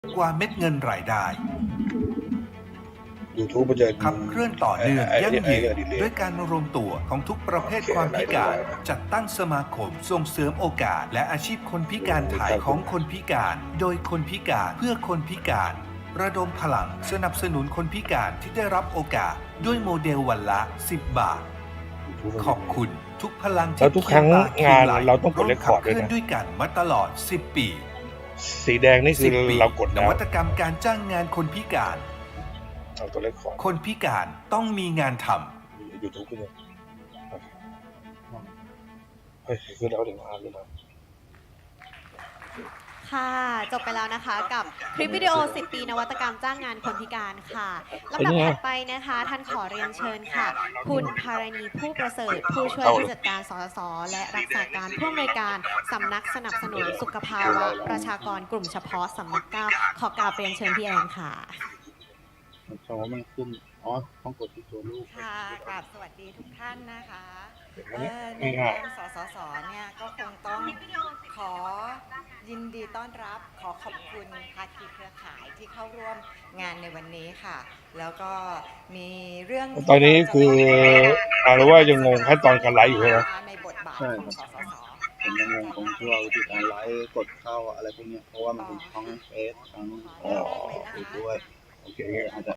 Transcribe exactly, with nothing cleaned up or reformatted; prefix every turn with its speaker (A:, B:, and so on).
A: กว่าเม็ดเงินรายได้
B: YouTube มันจะ
A: ขับเคลื่อนต่อเนื่อง
B: ไอ้ไอ้
A: ยั่ง
B: ไอ้
A: ยืน
B: ไอ้
A: ด้วยการรวมตัวของทุกประเภทความพิการ จัดตั้งสมาคมส่งเสริมโอกาส และอาชีพคนพิการถ่ายของคนพิการ โดยคนพิการเพื่อคนพิการ ระดมพลังสนับสนุนคนพิการที่ได้รับโอกาสด้วยโมเดลวันละ สิบ บาท ขอบคุณทุกพลัง
B: แล้
A: ที่
B: วทุกครั้ง
A: เคียบ่
B: งาน
A: คียไหล
B: เราต้องกด
A: ร่วม
B: record
A: ขับเคลื่อน
B: ด้วยนะ
A: ด้วยกันมาตลอด สิบ ปี
B: สีแดงนี่คือ
A: สิบ ปี
B: เรากด
A: น
B: แล้ว
A: วัตกรรมการจ้างงานคนพิการ
B: เอาตัวเลขของ
A: คนพิการต้องมีงานทำ
B: YouTube ขึ้นเลยเฮ้ยขึ้นแล้วถึงอ่านเลยนะ
C: ค่ะ จบไปแล้วนะคะกับคลิปวิดีโอ สิบ ปีนวัตกรรมจ้างงานคนพิการค่ะลำดับถัดไปนะคะ ท่านขอเรียนเชิญค่ะ คุณภารณีผู้ประเสริฐ ผู้ช่วยผู้จัดการสสส และรักษาการผู้อำนวยการสำนักสนับสนุนสุขภาวะประชากรกลุ่มเฉพาะสำนักเก้าขอกราบเรียนเชิญพี่แอนค่ะ
D: เพราะว่ามันขึ้น อ๋อ ต้องกดที่ตัวลูก
E: ค่ะกราบสวัสดีทุกท่านนะคะ
B: เดี๋ยว
E: เอ่
B: นี้
E: อใน
B: ง่าย
E: นามสสสเนี่ยก็คงต้องขอยินดีต้อนรับ ขอขอบคุณภาคีเครือข่ายที่เข้าร่วมงานในวันนี้ค่ะ แล้วก็มีเรื่อง
B: ๆตอนนี้คืออ่านรู้ว่ายังงงขั้นตอนการไลฟ์อยู่ใช่ไหม
E: ในบทบาท
D: ใช่
E: ของสสส
D: ผมยังงงของที่ว่าวิธีการไลฟ์กดเข้าอะไรพวกเนี้ยเพราะว่ามันเป็นทั้งเฟซทั้ง
B: อ๋อ
D: ยูด้วย โอเคอาจจะ